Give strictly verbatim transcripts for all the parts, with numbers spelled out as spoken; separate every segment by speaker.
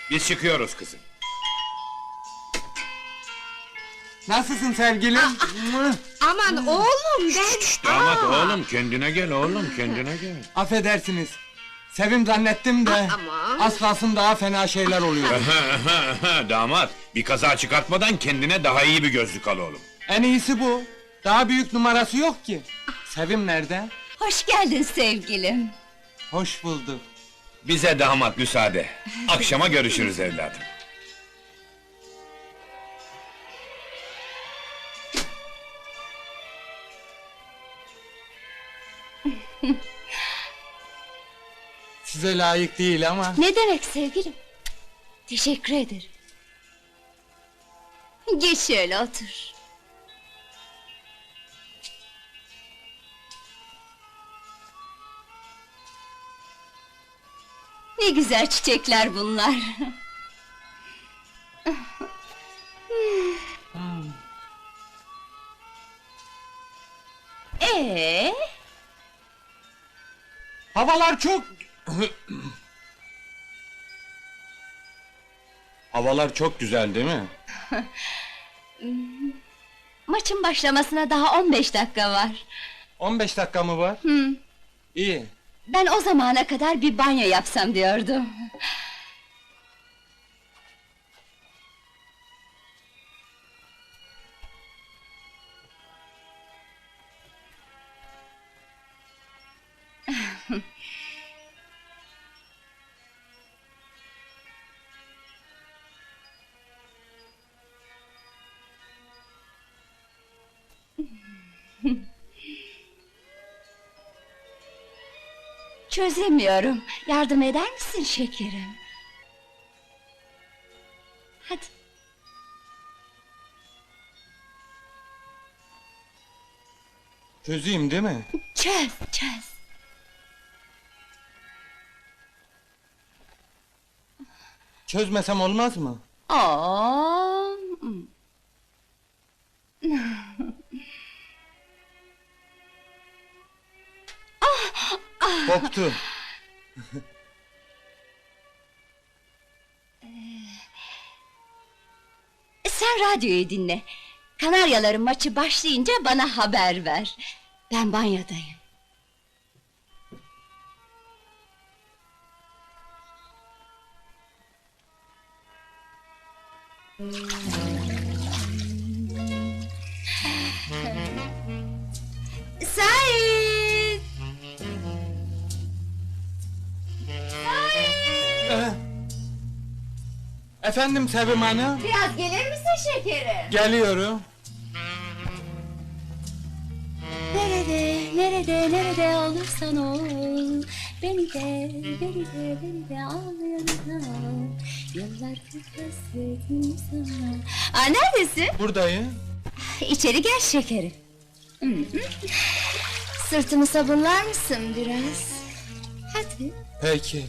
Speaker 1: Biz çıkıyoruz kızım.
Speaker 2: Nasılsın sevgilim? Mıh!
Speaker 3: Aman oğlum ben...
Speaker 1: Damat
Speaker 3: Aa!
Speaker 1: oğlum, kendine gel oğlum, kendine gel.
Speaker 2: Affedersiniz. Sevim zannettim de...
Speaker 3: Aman!
Speaker 2: Az kalsın daha fena şeyler oluyor.
Speaker 1: Damat, bir kaza çıkartmadan kendine daha iyi bir gözlük al oğlum.
Speaker 2: En iyisi bu. Daha büyük numarası yok ki. Sevim nerede?
Speaker 4: Hoş geldin sevgilim.
Speaker 2: Hoş bulduk.
Speaker 1: Bize damat müsaade. Akşama görüşürüz evladım.
Speaker 2: Size layık değil ama...
Speaker 4: Ne demek sevgilim? Teşekkür ederim. Geç şöyle otur. Ne güzel çiçekler bunlar. Ee,
Speaker 2: Havalar çok... Havalar çok güzel değil mi?
Speaker 4: maçın başlamasına daha on beş dakika var.
Speaker 2: on beş dakika mı var?
Speaker 4: Hı.
Speaker 2: İyi.
Speaker 4: Ben o zamana kadar bir banyo yapsam diyordum. Çözemiyorum. Yardım eder misin şekerim? Hadi.
Speaker 2: Çözeyim değil mi?
Speaker 4: Çöz, çöz.
Speaker 2: Çözmesem olmaz mı?
Speaker 4: Oo.
Speaker 2: Koptu.
Speaker 4: Sen radyoyu dinle. Kanaryaların maçı başlayınca bana haber ver. Ben banyodayım. Sait!
Speaker 2: Ee, Efendim Sevim Hanım?
Speaker 4: Biraz gelir misin şekerim?
Speaker 2: Geliyorum.
Speaker 4: Nerede, nerede, nerede olursan ol, beni de, beni de, beni de al yanına. Yıllardır hasretim sana. Aa, neredesin?
Speaker 2: Buradayım.
Speaker 4: İçeri gel şekerim. Hı hı. Sırtımı sabunlar mısın biraz? Hadi.
Speaker 2: Peki.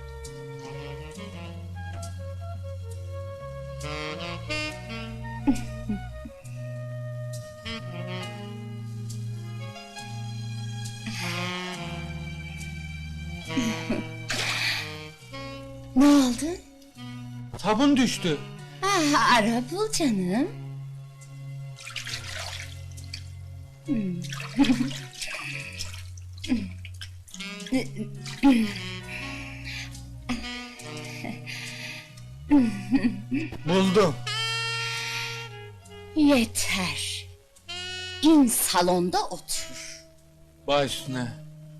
Speaker 4: Ne oldu?
Speaker 2: Sabun düştü.
Speaker 4: Ah, ara bul canım.
Speaker 2: Buldum.
Speaker 4: Yeter. İn salonda otur.
Speaker 2: Baş üstüne.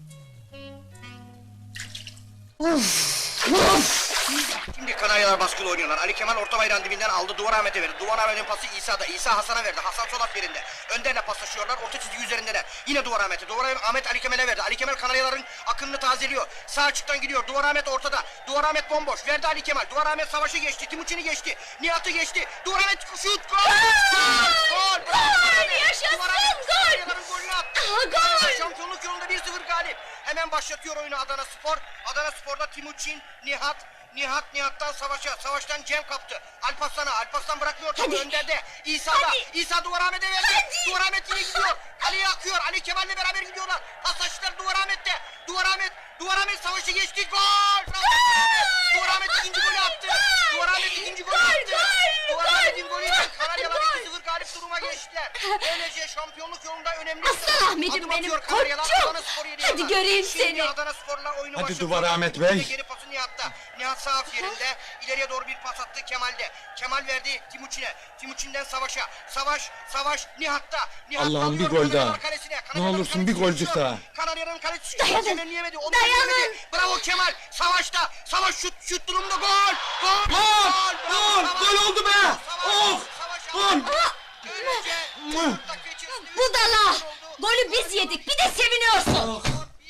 Speaker 5: Şimdi Kanaryalar baskılı oynuyorlar. Ali Kemal orta bayrağın dibinden aldı. Duvar Ahmet'e verdi. Duvar Ahmet'in pası İsa'da. İsa Hasan'a verdi. Hasan sol at yerinde. Önderle paslaşıyorlar. Orta çizgi üzerindeler. Yine Duvar Ahmet'e. Duvar Ahmet Ali Kemal'e verdi. Ali Kemal Kanaryaların akınını tazeliyor. Sağ açıktan gidiyor. Duvar Ahmet ortada. Duvar Ahmet bomboş. Verdi Ali Kemal. Duvar Ahmet savaşı geçti. Timuçin'i geçti. Nihat'ı geçti. Duvar Ahmet şut. Gol! Gol! Gol!
Speaker 4: Yaşasın,
Speaker 5: Duvar Ahmet
Speaker 4: gol!
Speaker 5: Kanaryaların golünü attı.
Speaker 4: Aa, gol!
Speaker 5: Şampiyonluk yolunda bir sıfır galip. Hemen başlatıyor oyunu Adana Spor. Adana Spor'da Timuçin, Nihat, Nihat Nihat'tan Savaş'a, Savaş'tan Cem kaptı. Alparslan'a, Alparslan bırakmıyor topu önderde. İsa'da,
Speaker 4: Hadi.
Speaker 5: İsa Duvar Ahmet'e verdi.
Speaker 4: Hadi.
Speaker 5: Duvar Ahmet yine gidiyor. Ali'ye akıyor, Ali Kemal'le beraber gidiyorlar. Paslaştılar Duvar Ahmet'te. Duvar Ahmet, Duvar Ahmet savaşı geçti. Gol! Bravo! Duvar Ahmet ikinci golü attı. Duvar Ahmet ikinci golü attı. Duvar Ahmet'in golüyle Kanaryalar iki sıfır galip duruma geçtiler. Böylece şampiyonluk yolunda önemli
Speaker 4: Aslan Ahmet'im
Speaker 5: adım
Speaker 4: benim,
Speaker 5: atıyor Kanaryalar.
Speaker 4: koçum.
Speaker 5: Adana Spor yedi
Speaker 4: Hadi
Speaker 5: yana.
Speaker 4: göreyim
Speaker 5: Şimdi
Speaker 4: seni.
Speaker 5: Adana Spor'la oyunu
Speaker 2: Hadi
Speaker 5: başlatıyor.
Speaker 2: Duvar Ahmet Bey.
Speaker 5: Geri pası Nihat'ta. Nihat sağ af yerinde. İleriye doğru bir pas attı Kemal'de. Kemal verdi Timuçin'e. Timuçin'den Savaş'a. Savaş, Savaş Nihat'ta. Nihat
Speaker 2: Allah'ım,
Speaker 5: alıyor
Speaker 2: bir gol
Speaker 5: Kanaryalar
Speaker 2: daha.
Speaker 5: kalesine.
Speaker 2: Ne
Speaker 5: Kanaryaların
Speaker 2: olursun
Speaker 5: kalesi
Speaker 2: bir golcük
Speaker 5: düşüyor.
Speaker 2: daha.
Speaker 5: Kanaryaların kalesi
Speaker 4: Dayanın,
Speaker 5: çeviremeyemedi. Onu
Speaker 4: dayanın.
Speaker 5: çeviremedi. Bravo Kemal. Savaş'ta. Savaş şut şut durumda gol. Gol.
Speaker 2: Gol!
Speaker 5: Bravo
Speaker 2: Gol!
Speaker 5: Savaş.
Speaker 2: Gol oldu be!
Speaker 5: Savaş,
Speaker 2: Of!
Speaker 5: Savaş
Speaker 2: Gol!
Speaker 5: aldı. Böylece dört dakika içerisinde üç
Speaker 4: Budala!
Speaker 5: gol oldu.
Speaker 4: Golü biz yedik, bir de seviniyorsun!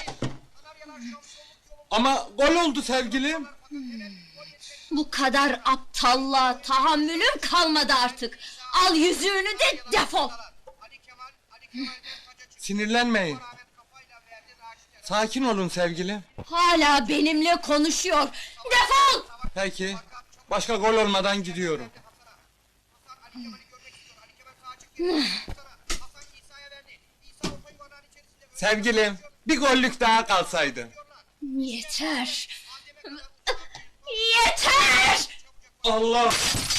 Speaker 2: Ama gol oldu sevgilim.
Speaker 4: Bu kadar aptallığa tahammülüm kalmadı artık! Al yüzüğünü de defol!
Speaker 5: Ali Kemal, Ali Kemal'den taca çıktı.
Speaker 2: Sinirlenmeyin.
Speaker 5: Ahmet kafayla verdi Raşit'e.
Speaker 2: Sakin olun sevgilim.
Speaker 4: Hala benimle konuşuyor! Defol!
Speaker 2: Peki. Başka gol olmadan gidiyorum.
Speaker 5: Ali Kemal'i görmek istiyor. Ali Kemal sağa çıktı. Hasan İsa'ya verdi. İsa orta yuvarlağın içerisinde.
Speaker 2: Sevgilim, bir gollük daha kalsaydı.
Speaker 4: Yeter! Yeter!
Speaker 2: Allah!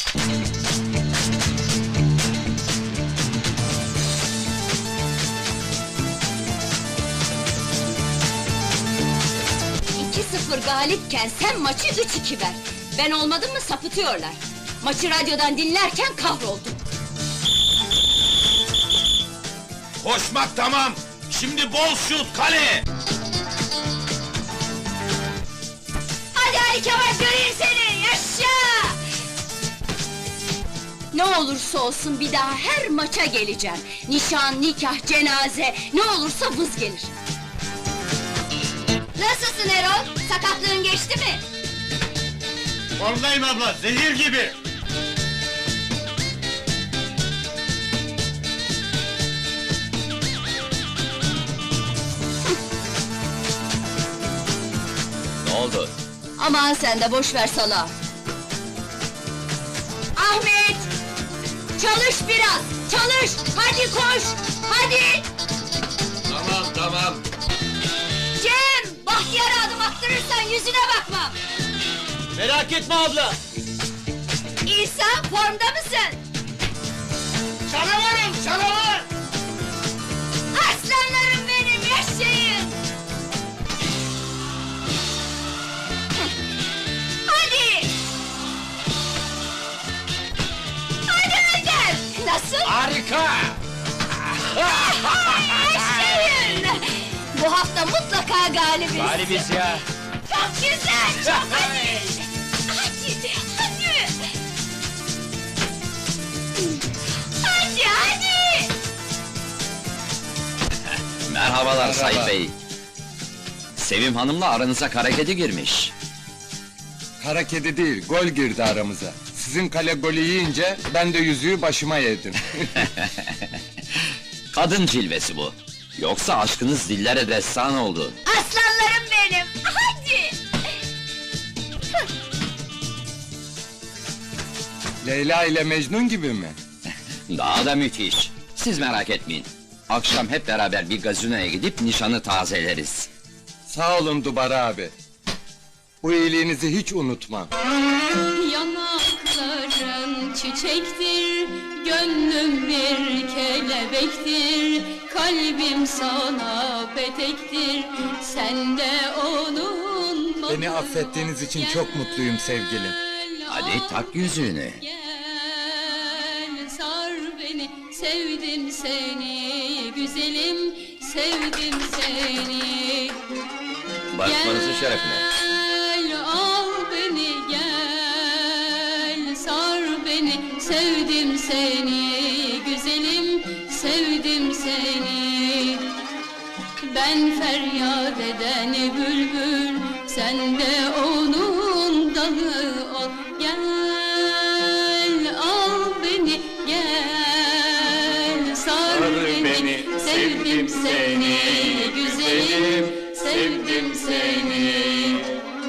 Speaker 4: iki sıfır galipken sen maçı üç iki ver. Ben olmadım mı sapıtıyorlar. Maçı radyodan dinlerken kahroldum.
Speaker 1: Koşmak tamam. Şimdi bol şut kale.
Speaker 4: Hadi Ali Kemal göreyim seni, yaşa! Ne olursa olsun bir daha her maça geleceğim. Nişan, nikah, cenaze, ne olursa vız gelir. Nasılsın Erol? Sakatlığın geçti mi?
Speaker 1: Formdayım abla, zehir gibi. Ne oldu?
Speaker 4: Aman sen de boş ver sala. Ahmet! Çalış biraz, çalış! Hadi koş, hadi!
Speaker 1: Tamam, tamam.
Speaker 4: Cem! Bahtiyar'a adım attırırsan yüzüne bakmam!
Speaker 1: Merak etme abla.
Speaker 4: İsa, formda mısın?
Speaker 1: Canavarım, canavar!
Speaker 4: Aslanlarım benim, yaşayın! Hadi! Hadi Önder! Nasıl?
Speaker 1: Harika!
Speaker 4: Yaşayın! Bu hafta mutlaka galibiz!
Speaker 1: Galibiz ya.
Speaker 4: Çok güzel, çok hadi! Hadi, hadi! Hadi, hadi!
Speaker 6: Merhabalar Sayın Bey. Sevim Hanım'la aranıza kara kedi girmiş.
Speaker 2: Kara kedi değil, gol girdi aramıza. Sizin kale golü yiyince ben de yüzüğü başıma yedim.
Speaker 6: Kadın cilvesi bu. Yoksa aşkınız dillere destan oldu.
Speaker 4: Aslanlarım benim, hadi!
Speaker 2: Leyla ile Mecnun gibi mi?
Speaker 6: Daha da müthiş. Siz merak etmeyin. Akşam hep beraber bir gazinoya gidip nişanı tazeleriz.
Speaker 2: Sağ olun Dubar abi. Bu iyiliğinizi hiç unutmam.
Speaker 7: Yanakların çiçektir, gönlüm bir kelebektir, kalbim sana petektir, sen de onun
Speaker 2: Beni affettiğiniz için çok mutluyum sevgilim.
Speaker 6: Hadi tak yüzüğünü.
Speaker 7: Gel sar beni, sevdim seni, güzelim, sevdim seni.
Speaker 6: Barışmanızın şerefine.
Speaker 7: Gel al beni gel sar beni sevdim seni güzelim sevdim seni. Ben feryat eden bülbül sen de onun dalı ol. Gel al beni gel sar beni sevdim seni güzelim sevdim seni.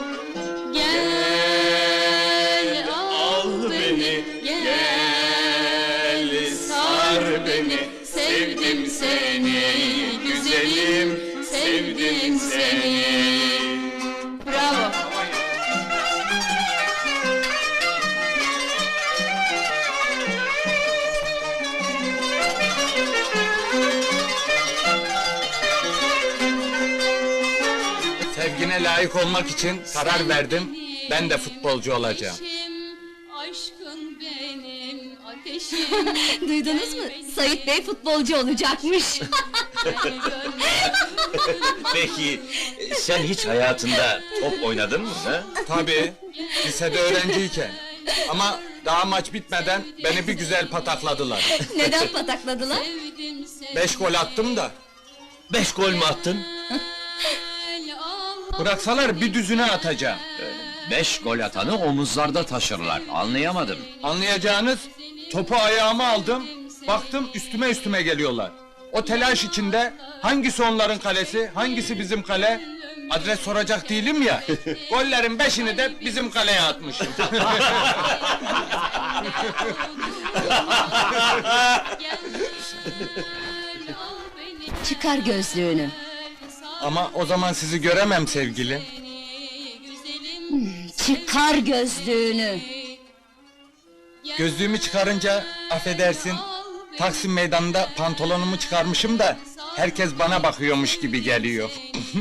Speaker 7: Gel al beni, gel sar beni, sevdim seni, güzelim, sevdim seni.
Speaker 2: layık olmak için karar verdim. Ben de futbolcu olacağım.
Speaker 7: Aşkın benim ateşim.
Speaker 4: Duydunuz mu? Sait Bey futbolcu olacakmış.
Speaker 8: Peki, sen hiç hayatında top oynadın mı? Ha?
Speaker 2: Tabii, lisede öğrenciyken. Ama daha maç bitmeden beni bir güzel patakladılar.
Speaker 4: Neden patakladılar?
Speaker 7: Sevdim seni.
Speaker 2: Beş gol attım da.
Speaker 8: Beş gol mü attın?
Speaker 2: Bıraksalar bir düzüne atacağım.
Speaker 6: Beş gol atanı omuzlarda taşırlar, anlayamadım.
Speaker 2: Anlayacağınız, topu ayağıma aldım, baktım üstüme üstüme geliyorlar. O telaş içinde hangisi onların kalesi, hangisi bizim kale? Adres soracak değilim ya. Gollerin beşini de bizim kaleye atmışım.
Speaker 4: Çıkar gözlüğünü.
Speaker 2: Ama o zaman sizi göremem sevgilim.
Speaker 4: Çıkar gözlüğünü.
Speaker 2: Gözlüğümü çıkarınca affedersin, Taksim meydanında pantolonumu çıkarmışım da herkes bana bakıyormuş gibi geliyor.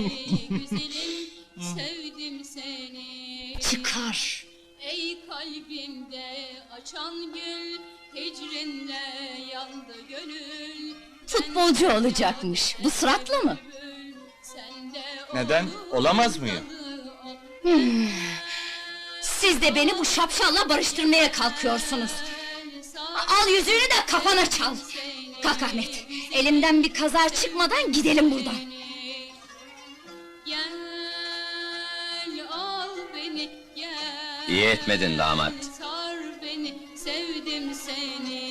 Speaker 7: Sevdim seni.
Speaker 4: Çıkar.
Speaker 7: Ey kalbimde açan gül, hicrinle yandı gönül.
Speaker 4: Futbolcu olacakmış. Bu suratla mı?
Speaker 7: Sende
Speaker 2: Neden? Olamaz mıyım?
Speaker 4: Siz de beni bu şapşalla barıştırmaya kalkıyorsunuz. Al yüzüğünü de kafana çal. Kalk Ahmet. Elimden bir kaza çıkmadan gidelim buradan.
Speaker 7: Gel al beni gel.
Speaker 6: İyi etmedin damat.
Speaker 7: Sar beni sevdim seni.